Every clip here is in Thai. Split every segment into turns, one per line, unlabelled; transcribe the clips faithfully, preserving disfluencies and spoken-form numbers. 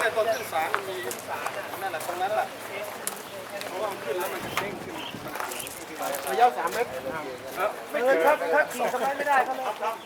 ตัวขึ้นศาลมันมีนั่นแหละตรงนั้นแหละเพราะว่ามันขึ้นแล้วมันจะเด้งขึ้นระยะสามเมตร
เออถ้าถ้าขี่สบายไม่ได้ก็ไม่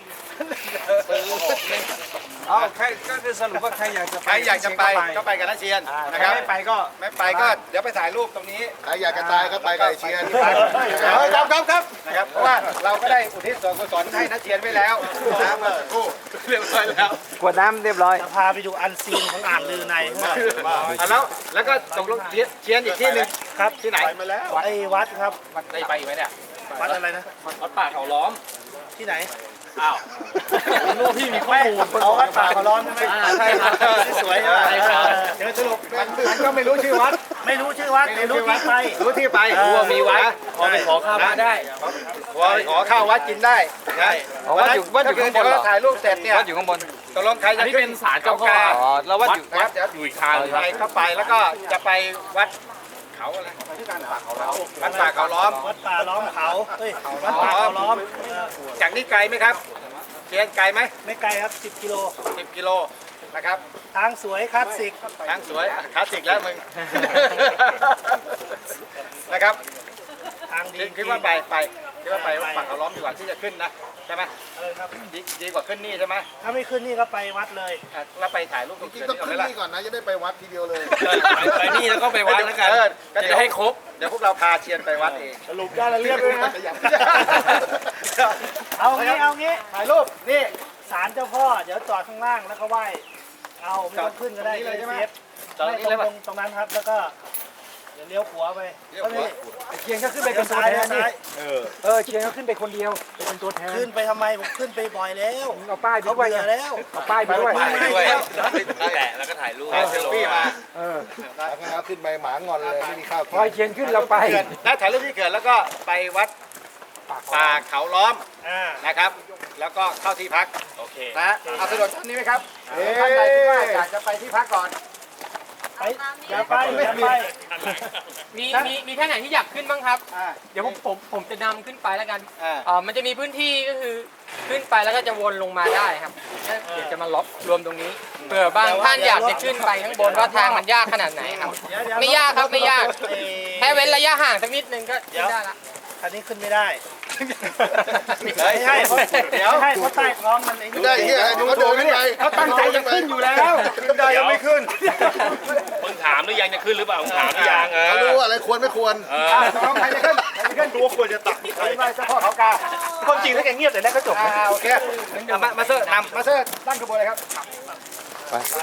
เอาใครก็คือสรุปว่าใครอยากจะไป
ใครอยากจะไปก็ไปกับนักเชียนนะครับ
ไม่ไปก็
ไม่ไปก็เดี๋ยวไปถ่ายรูปตรงนี้
ใครอยากจะตายก็ไปกับเชียร์
ครับครับครับนะครับเพราะว่าเราก็ได้อุทิศส่วนกุศลให้นักเชียนไว้แล้วนะเมื่อสักครู่เรียบร้อยแล้ว
ขวดน้ำเรียบร้อยจะพาไปดูอันซีนของอ่างลือใน
อ่ะแล้วแล้วก็ตกลงเชียนอีกที่หนึ่ง
ครับ
ที่ไหน
ไปมาแล้ว
ไอ้วัดครับ
ได้ไปอีกไหมเนี่ย
วัดอะไรนะ
วัดป่าเขาล้อม
ที่ไหน
อ้าวรู้พี่มีข้อมูล
เขาวัดป่าเขาล้อมใช่ไหม
ใช่ครับสวยใช่ไหม
เดี๋ยวสรุป
มันมันก็ไม่รู้ชื่อวัด
ไม่รู้ชื่อวัดไม่รู้ที่ไป
รู้ที่ไปรู้ว่ามีวัดพอไปขอข้าววัดได้พอไปขอข้าววัดกินได้นะวัดอยู่วัดอยู่ข้างบนเหรอถ่ายรูปเสร็จเนี่ยวัดอยู่ข้างบนตกลงใครจะขึ้นศาลเจ้าพ่ออ๋อแล้ววัดอยู่วัดอยู่อีกทางไปเข้าไปแล้วก็จะไปวัดเขาอะไรที่การป่าเขาล้อมวัดป่าเขาล้อม
วัดป่าล้อมเขาเฮ้ยวัดป่าเขาล้อม
จากนี้ไกลไหมครับเชียนไกลไหม
ไม่ไกลครับสิบกิโล
สิบกิโลนะครับ
ทางสวยคลาสสิก
ทางสวยคลาสสิกแล้วมึง นะครับ
ทางดี
คิดว่าไปไปคิดว่าไปฝั่งเขาล้อมดีกว่าที่จะขึ้นนะใช่ไหม
เออครับ
ดีดีกว่าขึ้นนี่ใช่ไหม
ถ้าไม่ขึ้นนี่ก็ไปวัดเลย
อ่ะแล้วไปถ่ายรูปตรง
จริ
เขื่
ง
อน
ๆต้อง
นี่ก่อน
ขึ้
ไหมล่ะ
นนี่ก่อนนะจะได้ไปวัดทีเดียวเลย
ไปนี่แล้วก็ไปวัดแล้วกันจะให้ครบเดี๋ยวพวกเราพาเชียนไปวัดเอง
สรุปได้แล้วเรียบเลยนะเอางี้เอางี้
ถ่ายรูปนี่
ศาลเจ้าพ่อเดี๋ยวจอดข้างล่างแล้วก็ไหว้เอาไม่ต้องขึ้นก็ได้
จอดตรงนี้เลยใช่ไหม
เซฟ
จอดตรงนี้เลย
ต
ป่ะ
รงตรงนั้นครับแล้วก็เดี๋ยวเลี้ยวขวาไป
เลี้ยวขวา
เชียงก็ขึ้นไปเป็นตัวแทนนี่เออเชียงก็ขึ้นไปคนเดียวเป็นตัวแทนขึ้นไปทำไมผมขึ้นไปบ่อยแล้วเอาป้ายเขาไปแล้วเอาป้ายไปด้วย
ถ่ายด้วยแหละแล้วก็ถ่ายรูปเซลฟี่มา
เออ
แล้วก็ขึ้นไปหมางอนเลยไม่มีข้าว
พอเชียงขึ้นเราไป
เกิดแล้วถ่ายรูปที่เกิดแล้วก็ไปวัดป่าเขาล้อม
อ่า
นะครับ แล้วก็เข้าที่พักโอเคนะเอาสะดวกท่านนี้ไหมครับท่านใดที่ว่าอยากจะไปที่พักก่อน
ไปอย่าไปอย่าไป
มีมีมีท่านไหนที่อยากขึ้นบ้างครับ
อ่า
เดี๋ยวผมผมผมจะนำขึ้นไปแล้วกัน
อ่า
เอ่อมันจะมีพื้นที่ก็คือขึ้นไปแล้วก็จะวนลงมาได้ครับแล้วเดี๋ยวจะมาล็อกรวมตรงนี้เผื่อบางท่านอยากจะขึ้นไปข้างบนว่าทางมันยากขนาดไหนครับ
เดี๋ยวเดี๋ยว
ไม่ยากครับไม่ยาก
เอ่อ
แค่เว้นระยะห่างสักนิดนึงก็ขึ้นได้ละ
คันนี้ขึ้นไม่ได้
ไม่
ไม่ใช่เพราะ
เดี๋ยว
ไม่ใช่เพราะใต้ท้องมันไอ้นี่
ได้เฮียเขาเดินขึ้นไป
เขาตั้งใจจะขึ้นอยู่แล้วขึ้นได้ยังไม่ขึ้น
มึงถามหรือยังจะขึ้นหรือเปล่ามึงถามหรือยังเอ
เขา
อ
รู้ว่าอะไรควรไม่ควร
เออ
น้องใครจะขึ้นใครจะขึ้นดูควรจะตักใครไปเจ้าพ่อเขากา
ความจริงแล้วแกเงียบแต่แรกก็จบ
อ่าโอเคมามาเซอร์นำมาเซอร์ตั้งขบวนเลยครับ